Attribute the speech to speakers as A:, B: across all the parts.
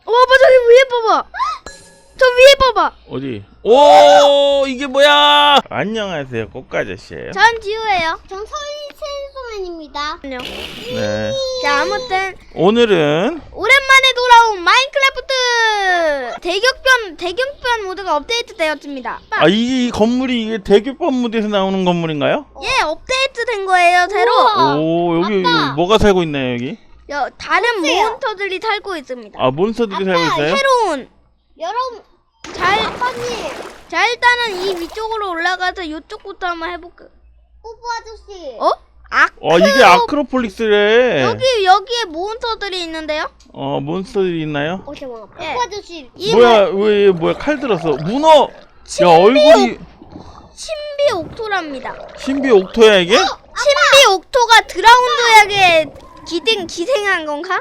A: 봐봐 저기 위에 봐봐. 저 위에 봐봐.
B: 어디? 오, 이게 뭐야? 안녕하세요, 꽃가저씨예요.
A: 전 지우예요.
C: 전 서울 체인소맨입니다.
A: 안녕.
B: 네.
A: 자 아무튼
B: 오늘은
A: 오랜만에 돌아온 마인크래프트 대격변 모드가 업데이트 되었습니다.
B: 이 건물이 이게 대교법 무대에서 나오는 건물인가요?
A: 예, 업데이트 된 거예요 새로.
C: 우와.
B: 오, 여기
C: 아빠.
B: 뭐가 살고 있나요, 여기?
A: 다른
C: 보세요.
A: 몬스터들이 살고 있습니다.
B: 아, 몬스터들이 살고 있어요?
A: 새로운.
C: 여러분, 아빠님,
A: 자 일단은 이 위쪽으로 올라가서 이쪽부터 한번 해볼까.
C: 뽀뽀 아저씨.
A: 어?
B: 이게 아크로폴리스래.
A: 여기에 몬스터들이 있는데요?
B: 몬스터들이 있나요?
C: 잠깐만.
A: 예.
C: 뽀뽀 아저씨.
B: 뭐야, 칼 들었어. 문어! 야, 얼굴이.
A: 신비 옥토랍니다.
B: 신비 옥토야, 이게?
A: 신비 옥토가 드라운드에게 기생한 건가?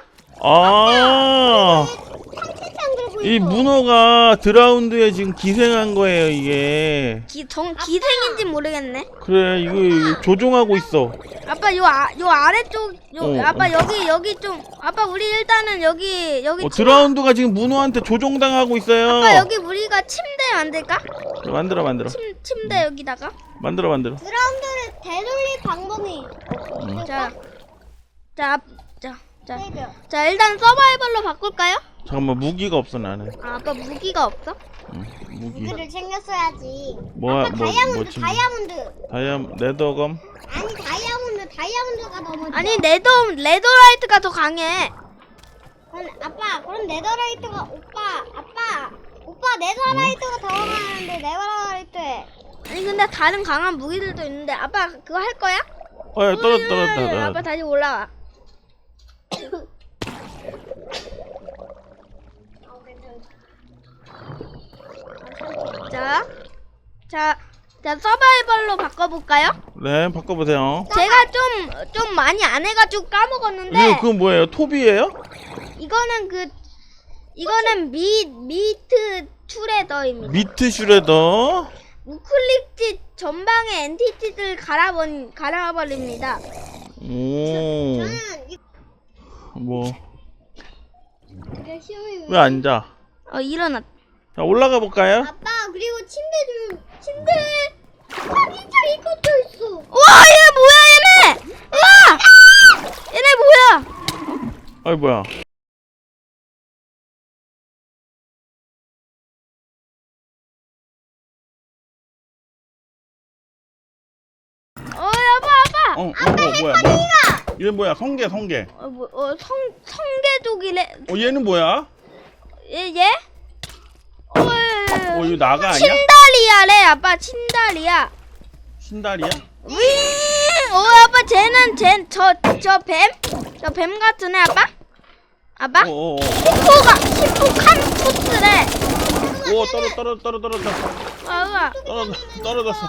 C: 상체장 들고
B: 이
C: 있어.
B: 문어가 드라운드에 지금 기생한 거예요, 이게.
A: 기생인지 모르겠네.
B: 그래, 이거 조종하고 있어.
A: 아빠 요 아래쪽 아빠
B: 어.
A: 여기 좀 아빠 우리 일단은 여기
B: 드라운드가 지금 문어한테 조종당하고 있어요.
A: 아빠 여기 우리가 침대 만들까?
B: 만들어.
A: 침대 여기다가.
B: 만들어.
C: 드라운드를 되돌릴 방법이
A: 자
C: 해줘.
A: 자 일단 서바이벌로 바꿀까요?
B: 잠깐만, 무기가 없어, 나는.
A: 아빠 무기가 없어?
B: 무기.
C: 무기를 챙겼어야지.
B: 뭐야,
C: 아빠 다이아몬드.
B: 네더검?
C: 아니 다이아몬드가 너무 좋아.
A: 아니 레더라이트가 더 강해.
C: 그럼 네더라이트가 오빠 네더라이트가 더 강한데 네더라이트에.
A: 아니 근데 다른 강한 무기들도 있는데 아빠 그거 할 거야?
B: 야, 떨어졌다.
A: 아빠 다시 올라와. 자 서바이벌로 바꿔볼까요?
B: 네, 바꿔보세요.
A: 제가 좀 많이 안 해가지고 까먹었는데
B: 그거 뭐예요? 톱이에요?
A: 이거는 미트 툴레더입니다.
B: 미트 슈레더.
A: 우클릭지 전방의 엔티티들 갈아버립니다.
B: 오,
C: 저는
B: 뭐,
C: 이거 시험이
B: 왜 앉아?
A: 일어났.
B: 자, 올라가 볼까요?
C: 아빠 그리고 침대 진짜 이것도 있어.
A: 와 얘 뭐야 얘네! 와! 얘네 뭐야?
B: 아이, 뭐야.
A: 아빠.
B: 뭐야. 얘 뭐야, 성게.
A: 성계족이래.
B: 얘는 뭐야?
A: 얘?
B: 이거 나가 아니야?
A: 친다리아래 아빠 친다리아.
B: 신다리야?
A: 윙! 아빠 쟤는 저 뱀 같은 애 아빠? 아빠? 히포칸토스래.
B: 떨어졌어.
A: 아빠.
B: 떨어졌어.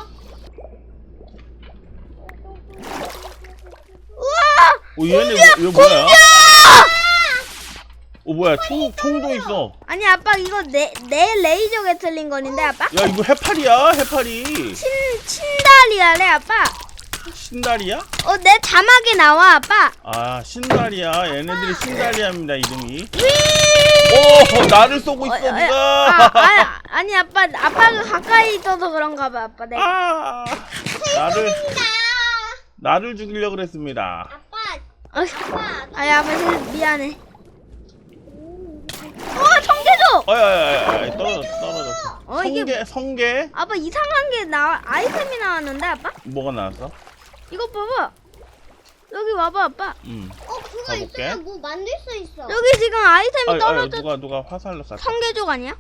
A: 우와!
B: 얘 뭐야? 뭐야, 총도 있어.
A: 아니 아빠 이거 내 레이저 게틀링 건인데 아빠?
B: 야, 이거 해파리.
A: 친다리아래 아빠.
B: 신다리야?
A: 내 자막에 나와 아빠.
B: 신다리야. 얘네들이 신다리아입니다, 이름이.
A: 윙!
B: 오, 나를 쏘고 있어, 누가?
A: 아니 아빠가 가까이 있어서 그런가 봐 아빠. 내가.
B: 나를 죽이려고 그랬습니다.
A: 아빠 미안해. 성계족!
B: 떨어졌어. 성게?
A: 아빠 이상한 게 아이템이 나왔는데 아빠?
B: 뭐가 나왔어?
A: 이거 봐봐. 여기 와봐 아빠.
C: 그거
B: 가볼게.
C: 있으면 뭐 만들 수 있어.
A: 여기 지금 아이템이 떨어져.
B: 누가 화살로 쐈어?
A: 성계족 아니야?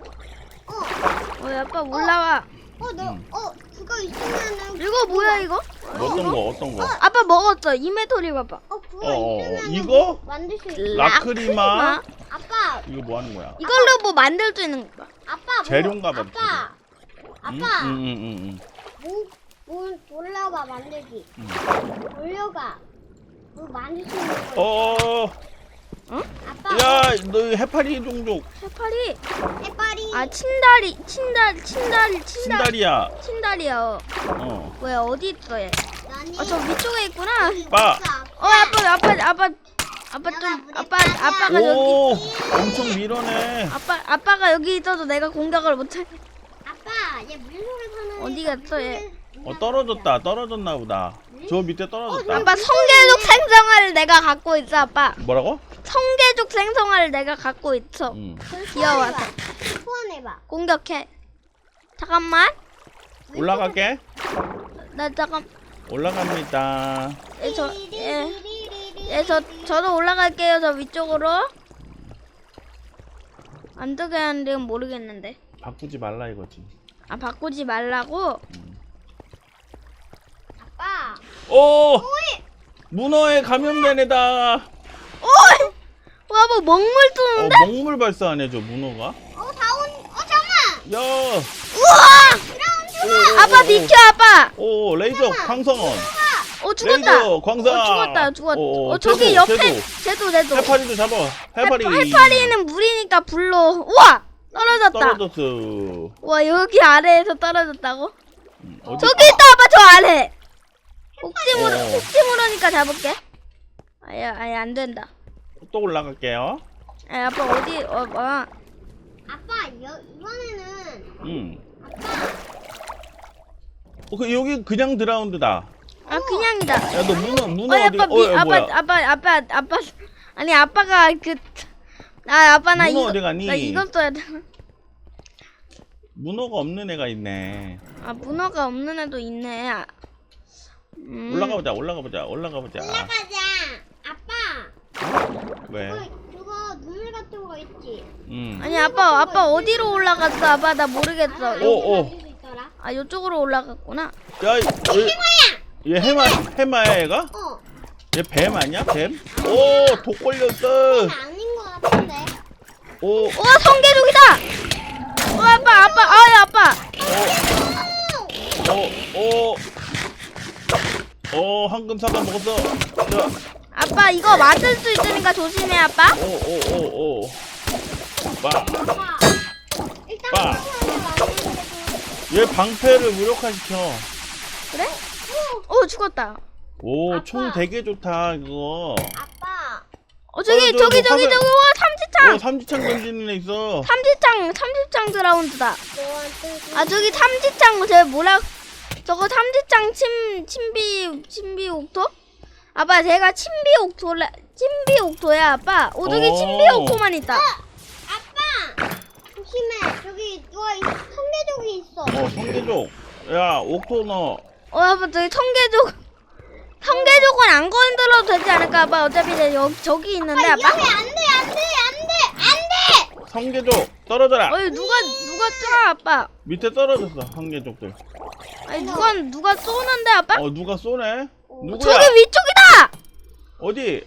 A: 아빠 올라와.
C: 그거 있으면은.
A: 이거 뭐야 이거?
B: 어떤 거?
A: 아빠 먹었어. 이메토리 봐봐.
C: 그거 있으면
B: 이거?
C: 뭐 만들 수 있어.
B: 라크리마?
C: 아빠
B: 이거 뭐 하는 거야?
A: 이걸로 뭐 만들 수 있는 거 봐.
B: 재료인가 봐,
C: 아빠
B: 응.
C: 뭐 올려봐 만들기. 올려가. 뭐 만들 수 있는 거. 아빠.
B: 야, 너 해파리 종족.
A: 해파리.
C: 해파리.
A: 친다리야.
B: 신다리야.
A: 뭐야 어디 있어 얘?
C: 나니.
A: 저 위쪽에 있구나.
B: 빠.
A: 아빠 아빠 좀
C: 물에
A: 아빠
C: 빠져.
A: 아빠가 여기
B: 오, 엄청 밀어내.
A: 아빠가 여기 있어도 내가 공격을 못해.
C: 아빠, 얘 물속에 사는
A: 어디
C: 애가
A: 갔어, 얘?
C: 물속에
B: 떨어졌다. 떨어졌나 보다. 저 밑에 떨어졌다.
A: 아빠 성계족 생성화를 내가 갖고 있어 아빠.
B: 뭐라고?
A: 성계족 생성화를 내가 갖고 있어. 귀여워서.
C: 소환해봐.
A: 공격해. 잠깐만.
B: 올라갈게.
A: 나 잠깐.
B: 올라갑니다.
A: 저도 올라갈게요. 저 위쪽으로. 안 되게 하는데 모르겠는데.
B: 바꾸지 말라 이거지.
A: 아 바꾸지 말라고.
C: 아빠.
B: 오! 문어에 감염된 애다.
A: 와 뭐 먹물 쏘는데?
B: 먹물 발사하네 저 문어가.
C: 잠깐만.
B: 야!
A: 우와! 아빠 비켜 아빠.
B: 오, 레이저 광선.
A: 죽었다.
B: 레이저 광선.
A: 죽었다.
B: 오,
A: 저기
B: 제도,
A: 옆에
B: 제도.
A: 제도.
B: 해파리도 잡아. 해파리.
A: 해파리는 물이니까 불로. 우와! 떨어졌다.
B: 떨어졌어.
A: 와 여기 아래에서 떨어졌다고?
B: 어디?
A: 저기 있다 아빠 저 아래.
B: 어.
A: 혹시 모르니까 잡을게. 아야 안 된다.
B: 또 올라갈게요.
A: 아빠 어디
C: 아빠, 이번에는
B: 여기 그냥 드라운드다.
A: 아 그냥이다.
B: 야, 너 문어
A: 아빠
B: 어디가? 뭐야?
A: 아빠 아니 아빠가 아빠 나
B: 문어
A: 이거
B: 어디 가니?
A: 나 이건 써야 돼.
B: 문어가 없는 애가 있네.
A: 아 문어가 없는 애도 있네.
B: 올라가 보자.
C: 올라가자. 아빠,
B: 왜?
C: 그거 눈물 같은 거 있지?
A: 아니 아빠 어디로 올라갔어? 아빠 나 모르겠어.
B: 오.
C: 수 있더라.
A: 아 이쪽으로 올라갔구나.
B: 야, 얘 해마야 얘가? 얘 뱀 아니야? 뱀? 오, 독 걸렸어.
C: 아닌 거 같은데.
B: 오,
A: 우와 성계족이다. 아빠.
B: 황금 사과 먹었어. 자,
A: 아빠 이거 맞을 수 있으니까 조심해 아빠.
B: 오. 빠.
C: 아빠, 일단
B: 빠.
C: 한번
B: 얘 방패를 무력화시켜.
A: 그래? 죽었다.
B: 오,
C: 아빠.
B: 총 되게 좋다 이거.
C: 아빠.
A: 저기 와 삼지창.
B: 삼지창 던지는 애 있어.
A: 삼지창 드라운드다. 아 저기 삼지창 저거 삼지창 침비 옥토? 아빠 제가 침비 옥토야 아빠. 저기 침비 옥토만 있다.
C: 아빠. 조심해. 저기 누가 성계족이 있어.
B: 성계족. 야, 옥토 너.
A: 아빠 저기 성계족은 안 건드려도 되지 않을까 아빠. 어차피 저기 있는데 아빠.
C: 위험해. 안 돼.
B: 성계족 떨어져라.
A: 누가 쏴 아빠.
B: 밑에 떨어졌어 성계족들.
A: 아니 누가 쏘는데 아빠?
B: 누가 쏘네? 누구야?
A: 저기 위쪽이다.
B: 어디?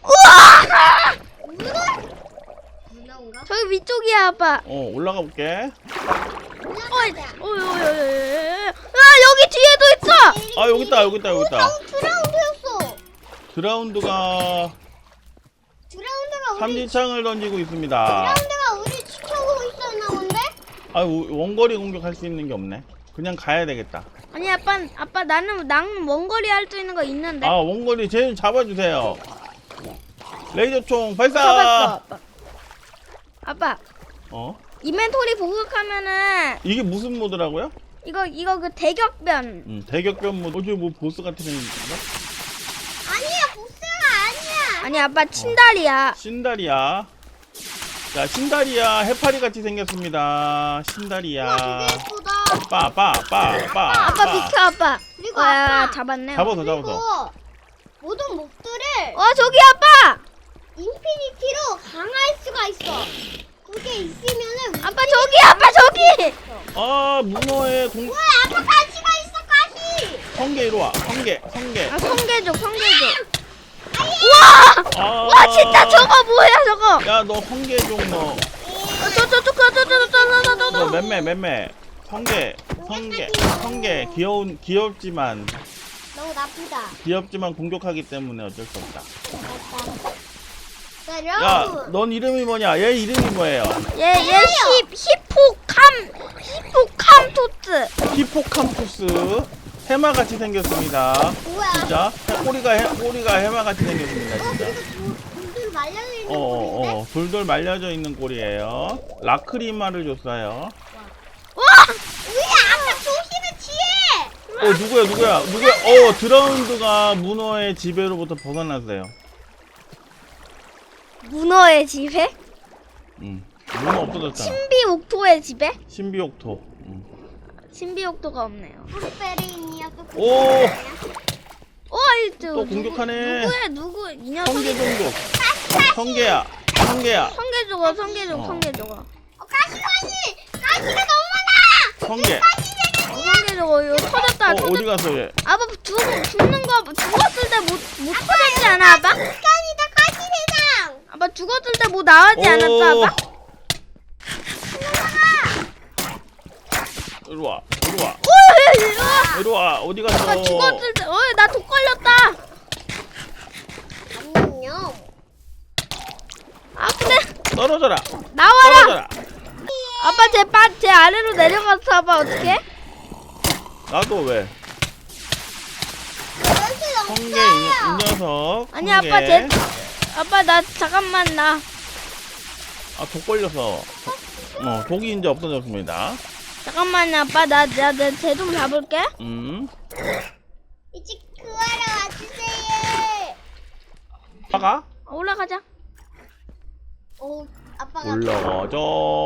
C: 문어인가?
A: 저기 위쪽이야 아빠.
B: 올라가 볼게.
A: 여기 뒤에도 있어.
B: 아, 여기 있다.
C: 드라운드였어.
B: 드라운드가 삼지창을 던지고 있습니다.
C: 드라운드가 우리 지켜보고 있었나 본데?
B: 아, 원거리 공격할 수 있는 게 없네. 그냥 가야 되겠다.
A: 아니 아빠 나는 원거리 할 수 있는 거 있는데.
B: 원거리 쟤 잡아주세요. 레이저총 발사.
A: 잡았어 아빠.
B: 이벤토리
A: 보급하면은
B: 이게 무슨 모드라고요?
A: 이거 그 대격변.
B: 대격변 모드. 어제 뭐 보스 같은 애 있나?
C: 아니야, 보스가 아니야.
A: 아니 아빠 친달이야.
B: 신다리야. 자, 신다리야 해파리 같이 생겼습니다. 신다리야.
C: 되게 예쁘다.
B: 빠.
A: 아빠 비켜 아빠.
C: 그리고 아빠.
A: 잡았네.
B: 잡았어.
C: 그리고 모든 몹들을
A: 저기 아빠.
C: 인피니티로 강화할 수가 있어. 그게 있으면은
A: 아빠 저기.
B: 문어의 동.
C: 뭐야, 아빠 가시가 있어, 가시.
B: 성게 이리 와. 성게.
A: 성계족.
B: 아.
A: 와 진짜 저거 뭐야 저거.
B: 야, 너 성게종 너. 너
A: 저.
B: 맴매. 성게 귀엽지만
C: 너무 나쁘다.
B: 공격하기 때문에 어쩔 수 없다.
C: 자,
B: 야,
C: 여러분.
B: 넌 이름이 뭐냐? 얘 이름이 뭐예요?
A: 얘 히포캄토스.
B: 히포캄푸스. 해마같이 생겼습니다.
C: 뭐야?
B: 진짜 꼬리가 해마같이 생겼습니다. 진짜.
C: 그리고 돌들 말려져 있는 꼴인데?
B: 돌돌 말려져 있는 꼴이에요. 라크리마를 줬어요.
A: 와!
C: 우리 아까 조심해 뒤에!
B: 누구야? 드라운드가 문어의 지배로부터 벗어났어요.
A: 문어의 지배?
B: 문어 없어졌잖아.
A: 신비옥토의 지배?
B: 신비옥토.
A: 신비옥토가 없네요.
C: 브루베리니야 또
B: 오!
A: 또
B: 공격하네.
A: 누구 이 녀석이
B: 성계종족. 성계야.
A: 성계조가
C: 가시가 너무 많아!
B: 성계.
A: 성계조가 이거 터졌다.
B: 어디 갔어 얘?
A: 아빠 죽는 거 죽었을 때 못 터졌지 않아 아빠?
C: 습관이다 가시대장!
A: 아빠 죽었을 때 뭐 나오지 않았어 아빠?
B: 이리 와.
A: 이리 와.
B: 이리 와. 어디 갔어?
A: 아빠 죽었을 때 나 독 걸렸다.
C: 안녕.
A: 아프네.
B: 떨어져라.
A: 나와라. 아빠 제 아래로 내려가서 아빠 어떡해?
B: 나도 왜? 성계 이 녀석.
A: 아니
B: 성게.
A: 아빠 나 잠깐만 나.
B: 독 걸려서. 독이 이제 없어졌습니다.
A: 잠깐만 아빠 쟤 좀 잡을게.
C: 이제 구하러 와주세요.
B: 아가?
A: 올라가자.
C: 아빠가
B: 올라가자.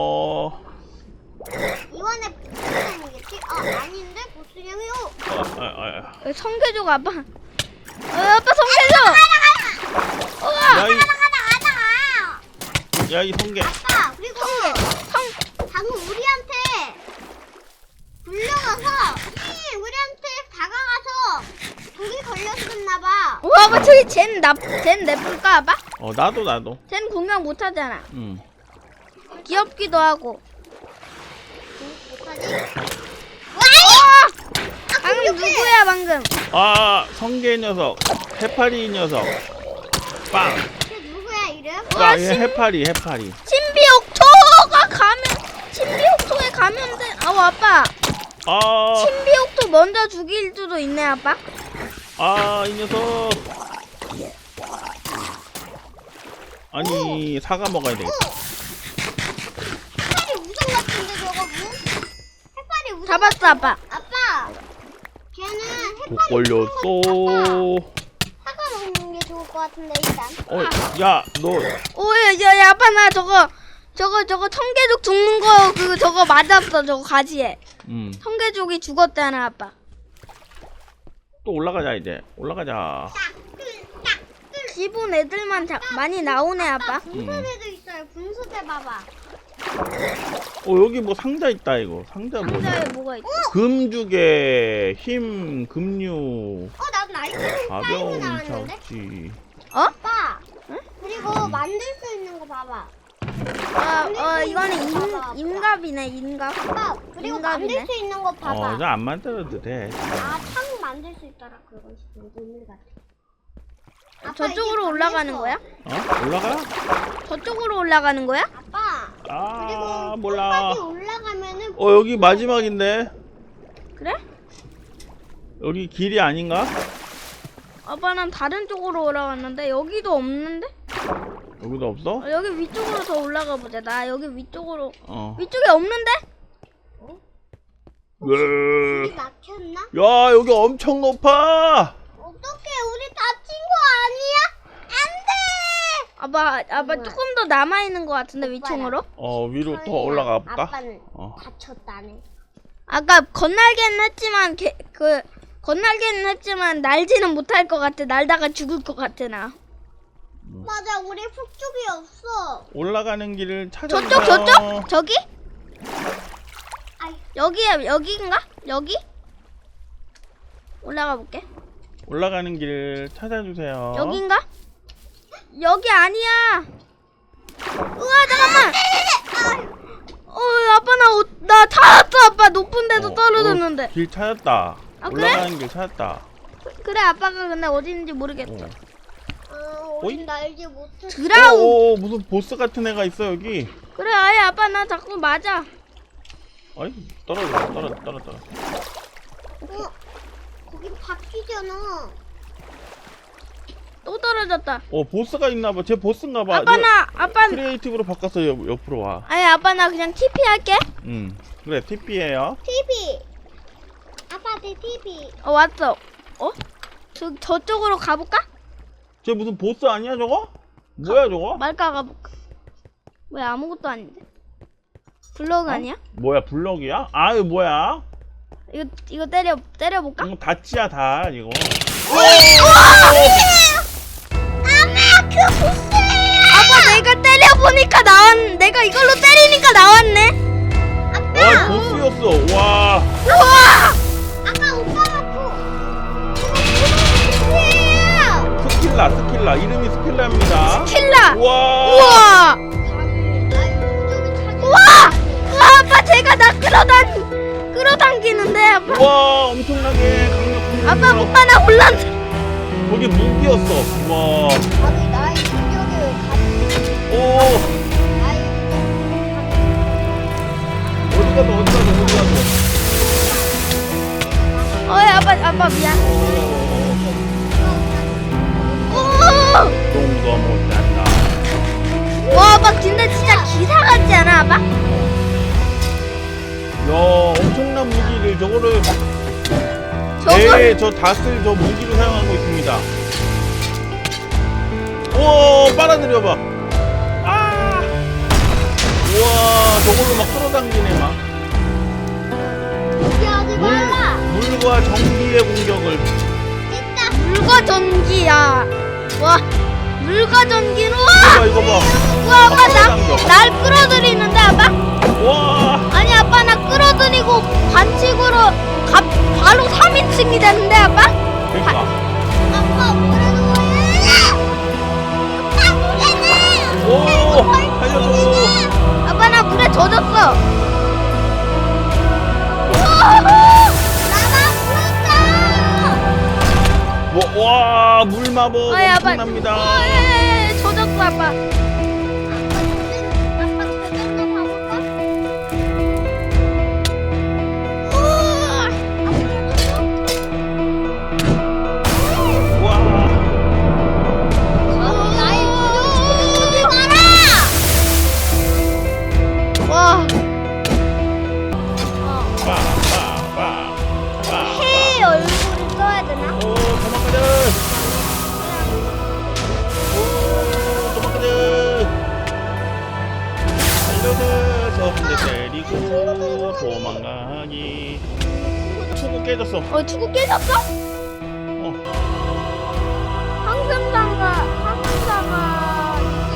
C: 이번에 보스형이겠지? 아닌데 보스형이요.
A: 성계조가 아빠. 아빠 성계조. 우와.
B: 야, 이 성게.
C: 아빠 그리고 방금 우리한테 불려가서 우리한테 다가가서 독이 걸렸었나봐.
A: 우와 아빠 저기 쟤는 내볼까 아빠?
B: 나도.
A: 쟤는 공격 못하잖아.
B: 응.
A: 귀엽기도 하고.
C: 못하지?
A: 방금 누구야 방금?
B: 성게 녀석. 해파리 녀석. 빵.
C: 걔 누구야 이름?
B: 야, 얘 해파리.
A: 신비옥토에 감염된. 아빠. 신비옥토 먼저 죽일 수도 있네 아빠.
B: 이 녀석. 아니, 사과 먹어야 되겠다.
C: 해파리 우정 같은데 저거 뭐? 해파리 우정.
A: 잡았어 아빠.
C: 아빠. 걔는
B: 독
C: 해파리
B: 걸렸어.
C: 사과 먹는 게 좋을 것 같은데 일단.
B: 야, 너.
A: 야 아빠 나 저거 청계족 죽는 거 저거 맞았어 저거 가지에. 청계족이 죽었잖아 아빠.
B: 또 올라가자 이제. 올라가자.
A: 기본 애들만 많이 나오네 아빠.
C: 분수대도 있어요. 분수대 봐봐.
B: 여기 뭐 상자 있다 이거. 상자 뭐야?
A: 상자에 뭐가 있지?
B: 금주개, 힘, 금류,
C: 나도 나이스
B: 가벼운
C: 나왔는데?
B: 착지.
C: 아빠. 그리고 만들 수 있는 거 봐봐.
A: 이거는 인갑이네 인갑.
C: 아빠. 그리고 만들
A: 인간이네.
C: 수 있는 거 봐봐.
B: 이제 안 만들어도 돼.
C: 창 만들 수 있더라. 그건 오늘 같아. 아빠,
A: 저쪽으로
C: 이게
A: 올라가는
C: 걸렸어.
A: 거야?
B: 올라가?
A: 저쪽으로 올라가는 거야?
C: 아빠. 그리고
B: 몰라.
C: 끝까지 올라가면은
B: 여기 마지막인데.
A: 그래?
B: 여기 길이 아닌가?
A: 아빠는 다른 쪽으로 올라갔는데 여기도 없는데?
B: 여기도 없어?
A: 여기 위쪽으로 더 올라가 보자. 나 여기 위쪽으로. 위쪽에 없는데?
B: 왜?
C: 길이 막혔나?
B: 야, 여기 엄청 높아.
C: 어떡해, 우리 다친 거 아니야? 안 돼!
A: 아빠 조금 더 남아 있는 것 같은데 위층으로?
B: 위로 더 올라가 볼까?
C: 아빠는 다쳤다네.
A: 아까 건날개는 했지만 날지는 못할 것 같아. 날다가 죽을 것 같아 나.
C: 맞아, 우리 폭죽이 없어.
B: 올라가는 길을 찾아주세요.
A: 저쪽? 저기?
C: 아이.
A: 여기인가? 여기? 올라가 볼게.
B: 올라가는 길을 찾아주세요.
A: 여긴가? 여기 아니야. 우와 잠깐만. 아빠 나 찾았어 아빠. 높은 데도 떨어졌는데.
B: 길 찾았다.
A: 그래?
B: 올라가는 길 찾았다.
A: 그래 아빠가 근데 어디 있는지 모르겠어.
C: 우린 날지 못해.
A: 드라우.
B: 무슨 보스 같은 애가 있어 여기.
A: 그래 아예 아빠 나 자꾸 맞아.
B: 아이 떨어져.
C: 거기 바뀌잖아.
A: 또 떨어졌다.
B: 보스가 있나봐. 쟤 보스인가봐.
A: 아빠
B: 크리에이티브로 바꿔서 옆으로 와.
A: 아니 아빠 나 그냥 TP 할게.
B: 그래 TP예요.
C: TV. 아빠 내 TV.
A: 왔어. 저쪽으로 가볼까?
B: 쟤 무슨 보스 아니야 저거? 뭐야 저거?
A: 말까 가볼까? 왜 아무것도 아닌데? 블럭 아니야?
B: 뭐야 블럭이야? 아 이거 뭐야?
A: 이거 때려볼까?
B: 이거 다치야 다 이거.
C: 아마 그 보스예요.
A: 아빠 내가 때려보니까 내가 이걸로 때리니까 나왔네.
B: 보스였어. 와.
A: 우와!
C: 아까 오빠가 보스예요.
B: 스킬라 이름이 스킬라입니다.
A: 킬라.
B: 와.
A: 우와! 우와! 아빠 제가 나 끌어당기는데 아빠.
B: 와 엄청나게 강력한.
A: 아빠 나 혼란.
B: 거기 무기였어. 와.
C: 나의 능력을 가지고
B: 오.
C: 나의
B: 어디 가서.
A: 아빠 미안. 오!
B: 똥도 못한다.
A: 와 아빠 근데 진짜 기사 같지 않아 아빠?
B: 야 엄청난 무기를 저거를
A: 저걸
B: 저 닷을 저 무기로 사용하고 있습니다. 오 빨아들여봐. 아. 우와 저걸로 막 끌어당기네 막.
C: 포기하지 말라.
B: 물과 전기의 공격을.
C: 진짜
A: 물과 전기야. 와 물과 전기로.
B: 이거 봐.
A: 와 아빠
B: 끌어당겨.
A: 날 끌어들이는데 아빠?
B: 와.
A: 아니 아빠 나 끌어들이고 반칙으로 바로 3인칭이 되는데 아빠?
B: 그러니까.
C: 아빠 뭐라는 거야? 아빠 뭐라는
B: 오 살려줘.
A: 아빠 나 물에 젖었어.
C: 나만 불었어.
B: 와 물마법
A: 아이, 아빠.
B: 엄청납니다.
A: 젖었어 아빠.
C: 아빠 저장도 가볼까?
B: 와.
C: 나의 표정 보지 마라.
A: 와. 해 얼굴을 써야 되나?
B: 오 도망가자. 오 도망가자. 살려서 한 대 때리고 도망가기. 투구 깨졌어.
A: 투구 깨졌어? 항상사가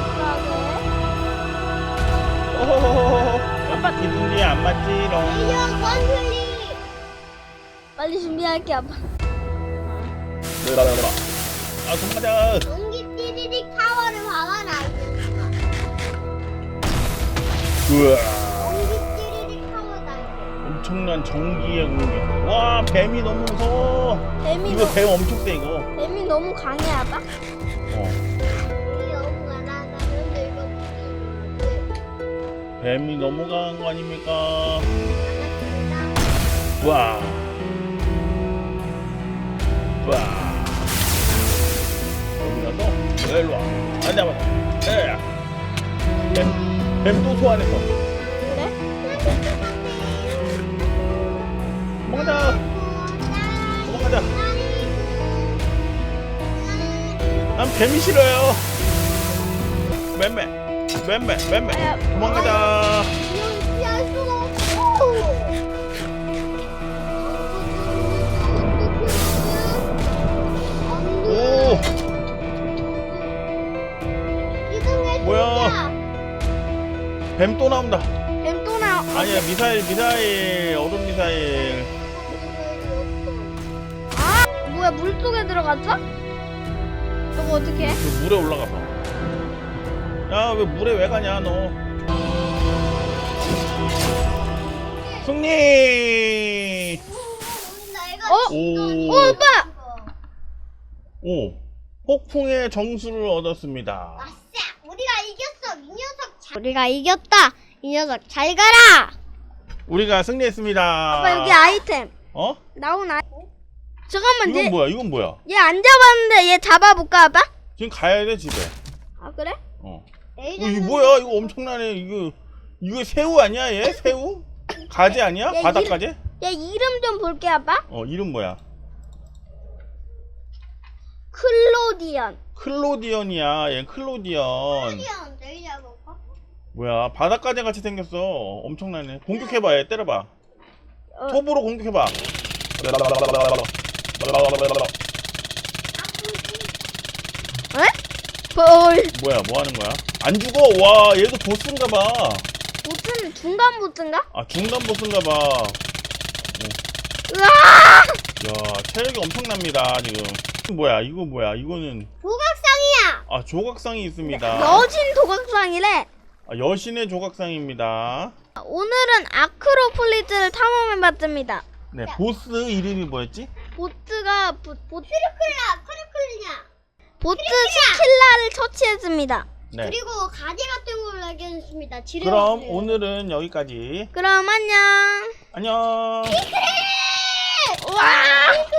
B: 오호호호. 아빠 기둥이 안 맞지롱.
C: 이형 원슬리.
A: 빨리 준비할게 아빠.
B: 아 도망가자.
C: 전기 띠리릭 타워를 봐봐라.
B: 우와.
C: 전기 띠리릭 타워다.
B: 엄청난 전기의 공격. 와 뱀이 너무 무서워. 이거 뱀 엄청 세 이거.
A: 뱀이 너무 강해 아빠.
C: 우리 영웅아 나는데 이거
B: 뱀이 너무 강한 거 아닙니까?
C: 알았습니다.
B: 와. 와. 여기 가서 일로 와. 앉아 봐. 뱀또 소환했어.
A: 그래?
B: 도망가자. 도망가자. 난 뱀이 싫어요. 맴매. 도망가자.
C: 이형 피할 수가 없어.
B: 오.
C: 이동해.
B: 뭐야? 뱀 또 나온다.
A: 뱀 또 나와.
B: 아니야 미사일 얼음 미사일.
A: 아 뭐야 물 속에 들어갔어? 저거 어떻게 해?
B: 그 물에 올라가서. 야 왜 물에 왜 가냐 너. 승리. 오.
A: 오빠.
B: 오. 폭풍의 정수를 얻었습니다.
C: 아싸! 우리가 이겼어. 이 녀석 우리가 이겼다. 이 녀석 잘 가라.
B: 우리가 승리했습니다.
A: 아빠 여기 아이템
B: 어?
A: 나온 잠깐만
B: 이건 뭐야? 이건 뭐야?
A: 얘 안 잡았는데 얘 잡아볼까 아빠?
B: 지금 가야 돼 집에.
A: 아 그래?
B: 이거 뭐야? 이거 엄청나네. 이거 새우 아니야 얘? 새우? 가재 아니야?
A: 야,
B: 바닷가재?
A: 얘 이름 좀 볼게 아빠.
B: 이름 뭐야?
A: 클로디언.
B: 클로디언이야. 얘 클로디언. 뭐야? 바닷가재 같이 생겼어. 엄청나네. 공격해봐. 얘 때려봐. 톱으로 공격해봐.
A: 에?
B: 뭐야? 뭐 하는 거야? 안 죽어. 와, 얘도 보스인가봐.
A: 보스는 중간 보스인가?
B: 아, 중간 보스인가봐.
A: 으아!
B: 야, 체력이 엄청납니다 지금. 뭐야? 이거 뭐야? 이거는
C: 조각상이야.
B: 조각상이 있습니다.
A: 여신 도각상이래.
B: 여신의 조각상입니다.
A: 오늘은 아크로폴리스를 탐험해봤습니다.
B: 네, 보스 이름이 뭐였지?
A: 보스가
C: 크루클리냐.
A: 보스 스킬라를 처치했습니다.
B: 네.
C: 그리고 가재 같은 걸 발견했습니다.
B: 그럼 오늘은 여기까지.
A: 그럼 안녕.
B: 안녕.
A: 와!